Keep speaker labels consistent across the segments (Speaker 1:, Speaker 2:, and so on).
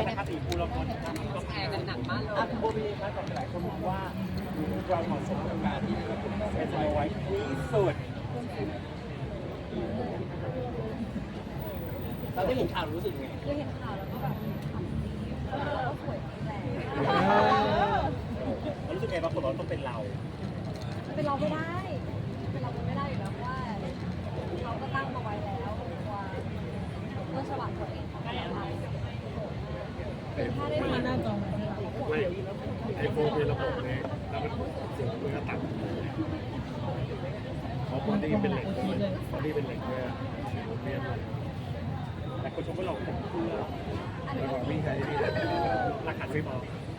Speaker 1: างนะครับสีภูเราคนก็แพ้กันหนักมากเลยคุณโบวีครับกับหลายคนมองว่าเราเหมาะสมกับการที่เป็นสโนไวท์ที่สุดเราได้เห็นข่าวรู้สึกไง
Speaker 2: ได้เห็นข่าวแล้วก็แบบทำดีแล้วสวยจริงแหละ
Speaker 1: รู้สึกไงบางคนบอกต้องเป็นเรา
Speaker 2: เป็นเราไม่ได้เป็นเราไม่ได้อยู่แล้วว่าเขาก็ตั้งมาไว้แล้วว่าเมื่อฉบับตัวเองเขาก็ทำถ้าได้มาหน้าจอ
Speaker 3: ไม่ไอโฟนเป็นระบบไงแล้วมันเสียงมันก็ตัดเพราะบอดี้เป็นเหล็กบอดี้เป็นเหล็กเนี่ยเรียน
Speaker 1: แต่คนชมว่าเราผมเพื่อ
Speaker 3: แล้วก็วิ่งใช้ที่
Speaker 1: ราคาไม่พอ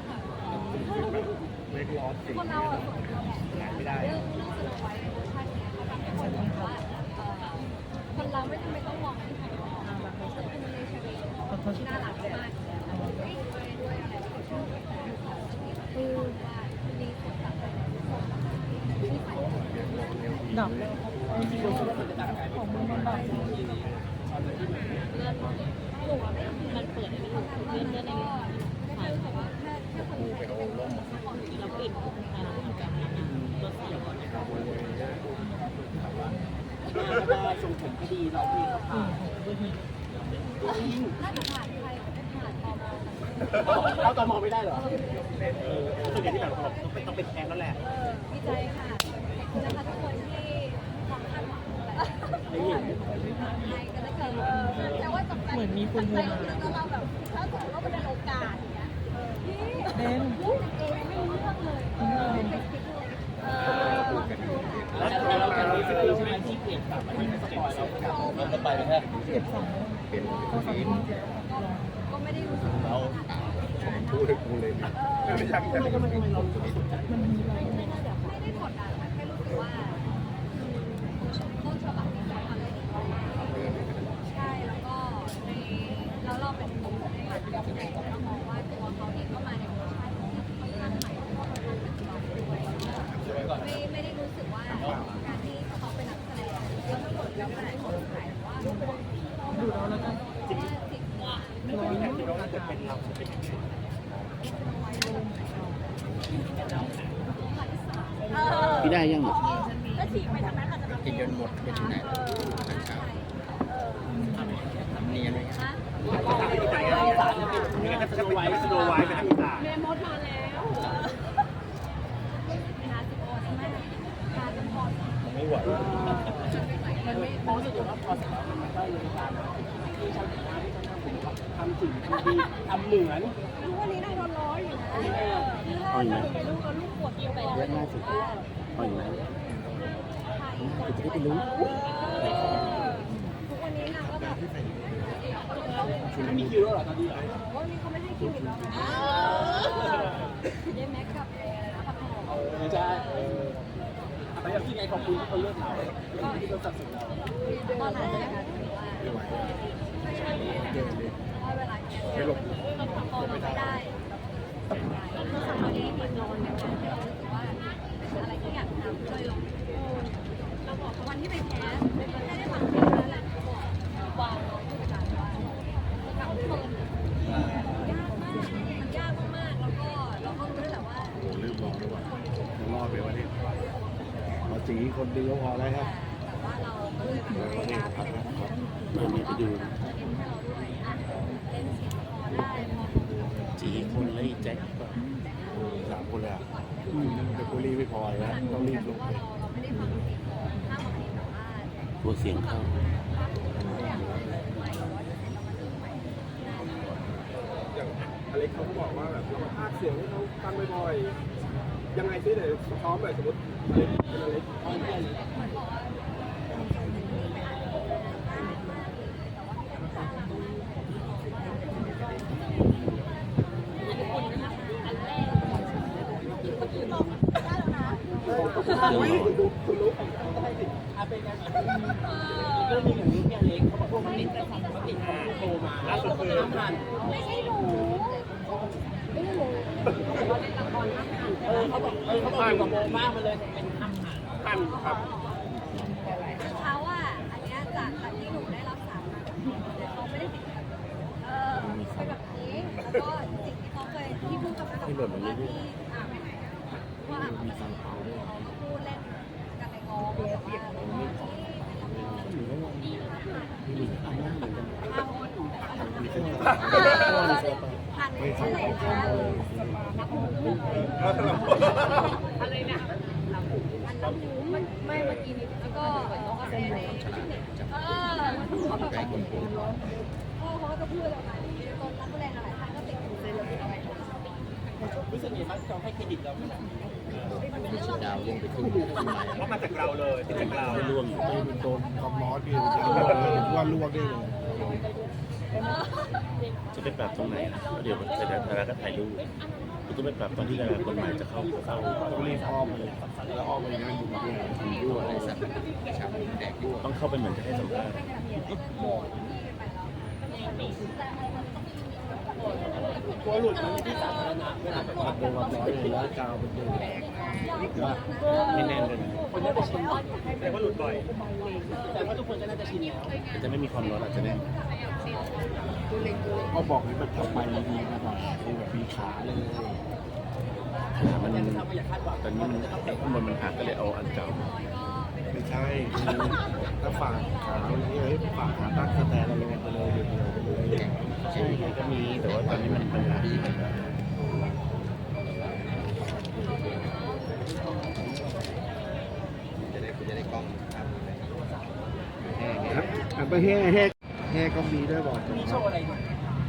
Speaker 3: ไม่ร้อนจริง
Speaker 2: คนเราสวยแหละ
Speaker 3: ไม่ได้
Speaker 2: เรื่องสโนไวท์เวอร์ชันนี้เขาทำให้คนรู้ว่าคนเราไม่จำเป็นต้องมองที่ภายนอกคือคุณในชีวิตที่น่ารักมากด้วยอะไรคือว่าดีสุดแบบที่ใส่
Speaker 4: ดอกของมันดอก
Speaker 2: เลื่อนหนูไม่มันเปิดไม่ถูกเลื่อนในใช่แต่ว่าแค่คนไทยเป็นของที่เราปิดรถเสียก่อน
Speaker 1: แล้วก็ทรงผมก็ดีเราพี่เขาผ่าน
Speaker 2: น่าจะผ่านไทยไม่ผ่าน
Speaker 1: เราต่อมองไม่ได้เหรอส่วนใหญ่ที่แบบต้องเป็นแทนแล้วแหละ
Speaker 2: ดีใจค่ะนะคะทุกคนที่ความคาดหวังไทยก็จะเกิดแต่ว่าจบเห
Speaker 4: มือนมีคนโทรมา
Speaker 2: แล้วเราแบบถ้าสมมติว่ามันเป็นโอกาสเนี้ยพี่พูดเองไม่รู้เรื่องเลยไม่เคยคิดเลย
Speaker 1: แล้วเราจะรู้สึกใช่ไหมที่เปลี่ยนกลับมาที่สปอยเราจะไปเลยฮะ
Speaker 4: เก็บสอง
Speaker 3: เป็นทีม
Speaker 2: ก็ไม่ได้รู้สึก
Speaker 3: เราพูดกูเลยไม่อยากจะ
Speaker 1: ทำไมเราสนใจ
Speaker 2: ไม่ได้กดดันแค่รู้สึกว่าต้นฉบับนี้ทำได้ดีมากใช่แล้วก็ในแล้วเราเป็นคนในงานที่เรามองว่าตัวเขาเองก็มาในเวอร์ชันที่ค่อนข้างใหม่แล้วก็ค่อนข้างเป็นตัวด้วยไม่ได้รู้สึกว่าการที่เขาเป็นนักแสดงแล้วทั้งหมดแล้วเป็นคนขายว่า
Speaker 4: ดูเราแล้วกัน
Speaker 1: จริงไม่ต้องมีแต่ที่เราจะเป็นเราจะเป็นยังไง
Speaker 5: พี่ได้ยัง
Speaker 2: แล้วฉีกไปทางนั้นอาจจะแบบ
Speaker 5: กินจนหมดไปที่ไหนทำเนียนไหมครับ
Speaker 1: ไปทางอีสานจะเป็นยังไงถ้าสโนไวท์ไปทางอีสาน
Speaker 2: เมมดมาแล้วนาสิโอใช่ไหมการจะพอ
Speaker 3: ไม่ไหว
Speaker 1: มันไม่พอสุดว่าพอเสร็จแล้วมันก็เลยตามที่ชาวต่างชาติที่เขาทำถึงทำดีทำเหมือน
Speaker 2: ทุกวันนี้นายโดนร้อยอยู่นะไปลูกแล้วลูกปวดกินไปเยอะมากสุด
Speaker 5: อ่อยไหม
Speaker 2: จะได้ไปรู้ทุกวันนี้นางก็แบบ
Speaker 1: ไม่มีคิวแล้วหรอตอนนี้
Speaker 2: วันนี้เขาไม่ให้คิวอีกแล้วนะเดแม็กกับนะครับ
Speaker 1: ไม่ใช่แต่อย่างที่ไงขอบคุณที่เขาเลือกเราที่เขาตัดสินเรา
Speaker 2: ตอนนั้นนะคะถือว่าเวลาเนี้ยเราพอเราไม่ได้เราสามารถที่จะนอนในวันที่เรารู้สึกว่าเป็นอะไรที่อยากทำเลยเราบอกวันที่ไปแคสไม่ได้ฟังเพลงนั่นแหละบอกวางน้องผู้จัดการว่ากับเฟิร์นยากมากแล้วก็เราก็รู้แหละว่า
Speaker 3: ลืมบอกเลยว่ารอดไปวันนี้เราจีคนเดียวพอแล้วครับ
Speaker 2: แต่ว่าเราก็เลยพยายาม
Speaker 5: มาไปดู
Speaker 2: เล่นเสียงพอได้พอ
Speaker 5: จีคนเลยแจ็คก็
Speaker 3: 3 คนเลยแต่กูรีบไม่พอแล้วต้องรีบลงไป
Speaker 2: เราไม่ได้ฟังเสียงถ้าบางทีแบบว่า
Speaker 5: ตัวเสียงเข้า
Speaker 3: อย่างอเล็กเขาก็บอกว่าแบบเรามาพากเสียงให้เขาฟังบ่อยๆยังไงซิเดี๋ยวซ้อมแบบสมมติอเล็ก
Speaker 1: คุณรู้เป็นไงเรื่องนี้อย่างนี้พี่อเล็กเขาบอกว่าเขาติดโทรมาล่าสุดคือผ่าน
Speaker 2: ไม่ใช่หนูไม่ใช่หนู
Speaker 1: เขาบอกเขาผ่านกับโมมากมาเลยเป็นผ่านครับ
Speaker 2: เขาอ่ะอันนี้จากที่หนูได้รับสารมาเขาไม่ได้ติดเป็นแบบนี้แล้วก็
Speaker 5: ล่นลง
Speaker 2: ว่า
Speaker 5: เรื่อย
Speaker 2: ว่ามีสังเปาด้วยเขาพูดเล่นกันในกองแต่ว่าที่ไปทำงาน
Speaker 5: ๆมีอันนั้นเหมือนกัน
Speaker 2: หันที่ไหนคะอะไรนะอันละหมูมันไม่เมื่อกี้นี้แล้วก็ในพ่อเขาก็พูดออกมาตอนนักแสดงหลายท่านก็ติดอยู่ในระบบอะไร
Speaker 1: รู้สึกไงบ้างที่เขาให้เครดิตเราขนาดนี้
Speaker 5: ดาวลงไปครึ่ง
Speaker 3: เพราะมาจากเราเลยเป็นจากเรา
Speaker 5: ไม่ร่วงอยู่
Speaker 6: โดนความร้อนพี่ว่าลวกได้เลย
Speaker 5: จะไปปรับตรงไหนล่ะเดี๋ยวเสร็จแล้วดาราก็ถ่ายรูปคุณต้องไปปรับตอนที่ดาราคนใหม่จะเข้า
Speaker 6: ต้องรีบอ้อมเลยแล้วอ้อมไปนั่งดูมาด้วยยั่วอะไรสักชาบูแดกยั่ว
Speaker 5: ต้องเข้าไปเหมือนจะให้สัมภาษณ์
Speaker 1: กลัวหลุดมันที่สาธารณะเวลาแบบว่า
Speaker 6: โดนความร้อนเลยแล้วกาวเป็นเดือดแดก
Speaker 5: ไม่แน่นเลยนะ
Speaker 1: คนน่าจะชิน
Speaker 3: แต่ว่าหลุดบ่อย
Speaker 1: แต่ว่าทุกคนก็น่าจะชินแล้ว
Speaker 5: แต่จะไม่มีความร้อนอาจจะแน่น
Speaker 6: ก็บอกให้มันทำไปดีๆมาหน่อยแบบมีขาเลย
Speaker 5: ขามัน
Speaker 1: ทำมาอย่าคาดหวัง
Speaker 5: ตอนนี้มันข้างบนมันหักก็เลยเอาอันเก่า
Speaker 6: ไม่ใช่ถ้าฝากขาเนี่ยฝากขาตั้งสแตนเราลงไปเลยเดี๋ยวไปเลย
Speaker 5: ใช่ก็มีแต่ว่าตอนนี้มันหัก
Speaker 6: ครับอันไปแห่ก็มีด้วยบอก
Speaker 1: มีโชว์อะไรเนี่ย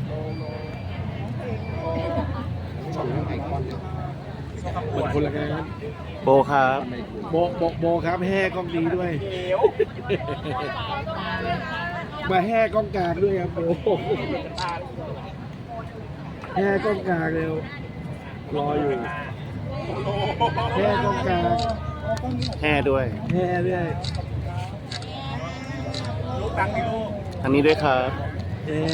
Speaker 6: ไอคอนมันคนละงาน
Speaker 5: โบครับ
Speaker 6: โบครับแห่กล้องดีด้วย
Speaker 1: เดี๋ยว
Speaker 6: มาแห่กล้องกลางด้วยครับโบแห่กล้องกลางเร็วรออยู่แห่กล้องกลาง
Speaker 5: แห่ด้วย
Speaker 6: แห่ด้วย
Speaker 3: ลูกตังค์ที่ลูก
Speaker 5: ทางนี้ด้วยครับ
Speaker 6: เอ๊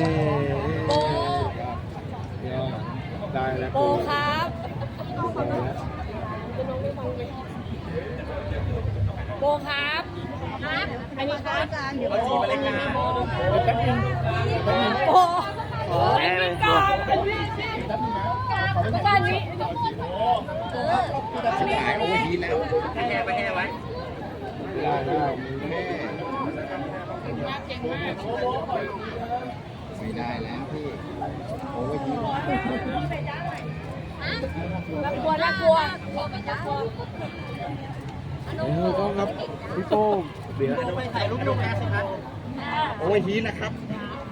Speaker 6: ได้แล้ว
Speaker 2: โบครับ โบครับครับอันนี้ครับอาจารย์เดี๋ยว
Speaker 3: จีบอะไรกัน
Speaker 2: โบ
Speaker 5: แห่เลย
Speaker 2: อาจารย์นี้
Speaker 6: ขายโอเวอร์ฮีทแล้ว
Speaker 3: ให้แห่ไปแห่ไว้
Speaker 6: ได้ไม่ได้แล้วพี่โอเวอร์ฮีท
Speaker 2: น่ากลัวน่ากลัว
Speaker 6: ก็ครับพี่โป้งเดี๋ยว
Speaker 1: ไปถ่ายรูปลงงานสิครับ
Speaker 6: โอเวอร์ฮีทนะครับ